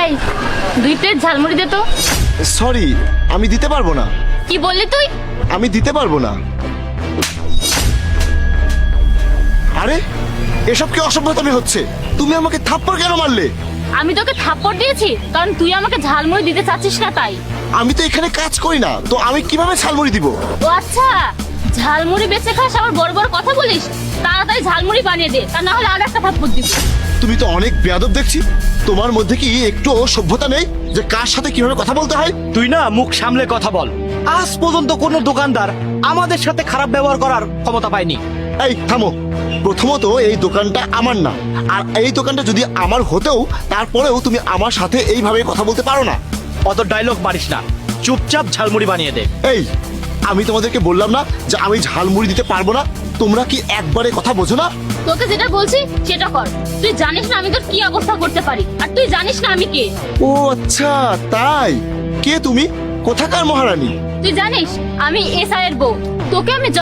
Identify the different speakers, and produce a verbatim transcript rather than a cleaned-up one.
Speaker 1: এই দুই প্লেট ঝালমুড়ি দে তো।
Speaker 2: সরি, আমি দিতে পারবো না।
Speaker 1: কি বললি তুই?
Speaker 2: আমি দিতে পারবো না। আরে এসব কি অসভ্যতামি হচ্ছে? তুমি আমাকে থাপ্পড় কেন মারলে?
Speaker 1: আমি তোকে থাপ্পড় দিয়েছি কারণ তুই আমাকে ঝালমুড়ি দিতে চাচ্ছিস না তাই।
Speaker 2: আমি তো এখানে কাজ করি না, তো আমি কিভাবে ঝালমুড়ি দিব?
Speaker 1: ও আচ্ছা, ঝালমুড়ি বেচে খাস আবার বড় বড় কথা বলিস। তাড়াতাড়ি ঝালমুড়ি বানিয়ে দে, তা না হলে আর একটা থাপ্পড় দিব।
Speaker 2: তুমি তো অনেক বেয়াদব দেখছি। তোমার মধ্যে কি একটু সভ্যতা নেই যে কার সাথে কিভাবে কথা বলতে হয়?
Speaker 3: তুই না মুখ সামলে কথা বল। আজ পর্যন্ত কোনো দোকানদার আমাদের সাথে খারাপ ব্যবহার করার ক্ষমতা পায়নি।
Speaker 2: এই থামো। প্রথমত এই দোকানটা আমার না, আর এই দোকানটা যদি আমার হতেও তারপরেও তুমি আমার সাথে এইভাবে কথা বলতে পারো না।
Speaker 3: অত ডায়লগ মারিস না, চুপচাপ ঝালমুড়ি বানিয়ে দে।
Speaker 2: এই আমি তোমাদেরকে বললাম না যে আমি ঝালমুড়ি দিতে পারবো না? তোমরা কি একবারে কথা বোঝো না?
Speaker 1: তোকে যেটা বলছি সেটা কর। তুই জানিস না আমি তোর কি অবস্থা করতে পারি, আর তুই জানিস না আমি কে।
Speaker 2: ও আচ্ছা তাই। কে তুমি? কোথাকার মহারানী?
Speaker 1: তুই জানিস আমি এসআই এর বউ। তোকে আমি